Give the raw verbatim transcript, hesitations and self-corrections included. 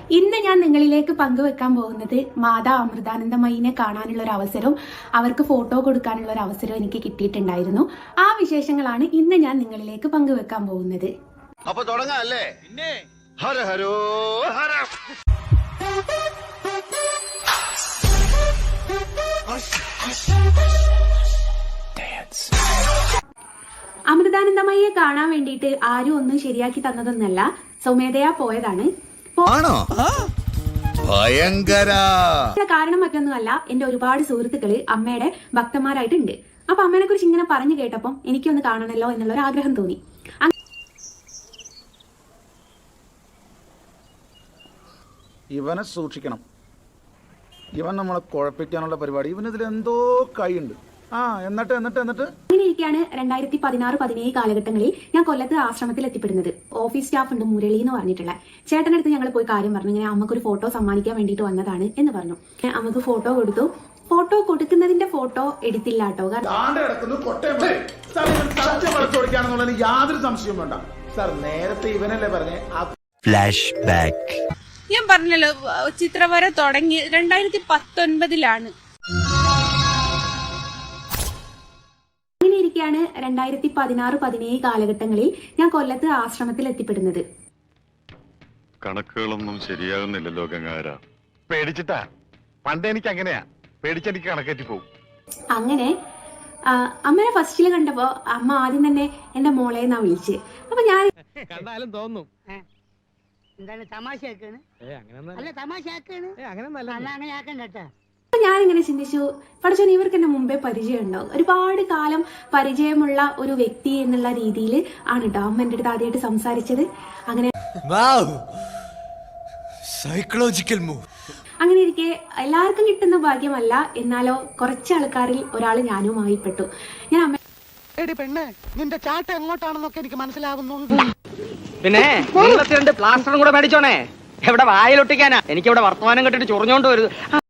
ഇന്ന് ഞാൻ നിങ്ങളിലേക്ക് പങ്കുവെക്കാൻ പോകുന്നത് മാതാ അമൃതാനന്ദമയിനെ കാണാനുള്ള ഒരു അവസരവും അവർക്ക് ഫോട്ടോ കൊടുക്കാനുള്ള ഒരു അവസരവും എനിക്ക് കിട്ടിയിട്ടുണ്ടായിരുന്നു. ആ വിശേഷങ്ങളാണ് ഇന്ന് ഞാൻ നിങ്ങളിലേക്ക് പങ്കുവെക്കാൻ പോകുന്നത്. അപ്പൊ തുടങ്ങാല്ലേ? പിന്നെ ഹര ഹരോ ഹര. അമൃതാനന്ദമയെ കാണാൻ വേണ്ടിയിട്ട് ആരും ഒന്നും ശരിയാക്കി തന്നതൊന്നല്ല, സ്വമേധയാ പോയതാണ്. ഭയങ്കര കാരണം മറ്റൊന്നുമല്ല, എന്റെ ഒരുപാട് സുഹൃത്തുക്കള് അമ്മയുടെ ഭക്തന്മാരായിട്ടുണ്ട്. അപ്പൊ അമ്മേനെ കുറിച്ച് ഇങ്ങനെ പറഞ്ഞു കേട്ടപ്പം എനിക്കൊന്ന് കാണണമല്ലോ എന്നുള്ള ഒരു ആഗ്രഹം തോന്നി. ഇവനെ സൂക്ഷിക്കണം. ഇവൻ നമ്മളെ കുഴപ്പിക്കാനുള്ള പരിപാടി. ഇവനിതിൽ എന്തോ കൈയുണ്ട്. ആ എന്നിട്ട് എന്നിട്ട് എന്നിട്ട് അങ്ങനെ ഇരിക്കുകയാണ് രണ്ടായിരത്തി പതിനാറ് പതിനേഴ് കാലഘട്ടങ്ങളിൽ ഞാൻ കൊല്ലത്ത് ആശ്രമത്തിൽ എത്തിപ്പെടുന്നത്. ഓഫീസ് സ്റ്റാഫ് ഉണ്ട് മുരളി എന്ന് പറഞ്ഞിട്ടുള്ള ചേട്ടനടുത്ത് ഞങ്ങൾ പോയി കാര്യം പറഞ്ഞു, ഇങ്ങനെ അമ്മക്കൊരു ഫോട്ടോ സമ്മാനിക്കാൻ വേണ്ടിയിട്ട് വന്നതാണ് എന്ന് പറഞ്ഞു. അമ്മക്ക് ഫോട്ടോ കൊടുത്തു. ഫോട്ടോ കൊടുക്കുന്നതിന്റെ ഫോട്ടോ എടുത്തില്ല കേട്ടോ. യാതൊരു സംശയവും വേണ്ട സാർ. നേരത്തെ ഇവനല്ലേ പറഞ്ഞേ. Flashback. ഞാൻ പറഞ്ഞല്ലോ, ചിത്രവര തുടങ്ങി രണ്ടായിരത്തി പത്തൊൻപതിലാണ്. അങ്ങനെ ഇരിക്കുകയാണ് രണ്ടായിരത്തി പതിനാറ് പതിനേഴ് കാലഘട്ടങ്ങളിൽ ഞാൻ കൊല്ലത്ത് ആശ്രമത്തിൽ എത്തിപ്പെടുന്നത്. കണക്കുകളൊന്നും ശരിയാകുന്നില്ലല്ലോ ഗംഗാര. പേടിച്ചിട്ടാ. പണ്ട് എനിക്ക് അങ്ങനെയാ, പേടിച്ചെനിക്ക് കണക്കേറ്റി പോകും. അങ്ങനെ അമ്മനെ ഫസ്റ്റില് കണ്ടപ്പോ അമ്മ ആദ്യം തന്നെ എന്റെ മോളെ എന്നാ വിളിച്ച്. അപ്പൊ ഞാൻ കണ്ടാലും തോന്നും എന്താണ് തമാശയാക്കാണ്? അല്ല തമാശയാക്കാണ്, അങ്ങനെ ആക്കണ്ട. അപ്പൊ ഞാനിങ്ങനെ ചിന്തിച്ചു, പഠിച്ചോൻ ഇവർക്ക് എന്നെ മുമ്പേ പരിചയം ഉണ്ടാവും, ഒരുപാട് കാലം പരിചയമുള്ള ഒരു വ്യക്തി എന്നുള്ള രീതിയിൽ ആണ് കേട്ടോ അമ്മ എന്റെ അടുത്ത് ആദ്യമായിട്ട് സംസാരിച്ചത്. അങ്ങനെ സൈക്കോളജിക്കൽ മൂവ്. അങ്ങനെ ഇരിക്കെ എല്ലാവർക്കും കിട്ടുന്ന ഭാഗ്യമല്ല, എന്നാലോ കുറച്ച് ആൾക്കാരിൽ ഒരാൾ ഞാനുമായി പെട്ടു. ഞാൻ അമ്മ പെണ്ണെ, നിന്റെ ചാട്ട എങ്ങോട്ടാണെന്നൊക്കെ എനിക്ക് മനസ്സിലാവുന്നുണ്ട്. പിന്നെ പ്ലാസ്റ്ററും കൂടെ മേടിച്ചോണേ. എവിടെ വായിലൊട്ടിക്കാനാ? എനിക്ക് ഇവിടെ വർത്തമാനം കെട്ടിട്ട് ചൊറിഞ്ഞോണ്ട് വരുത്.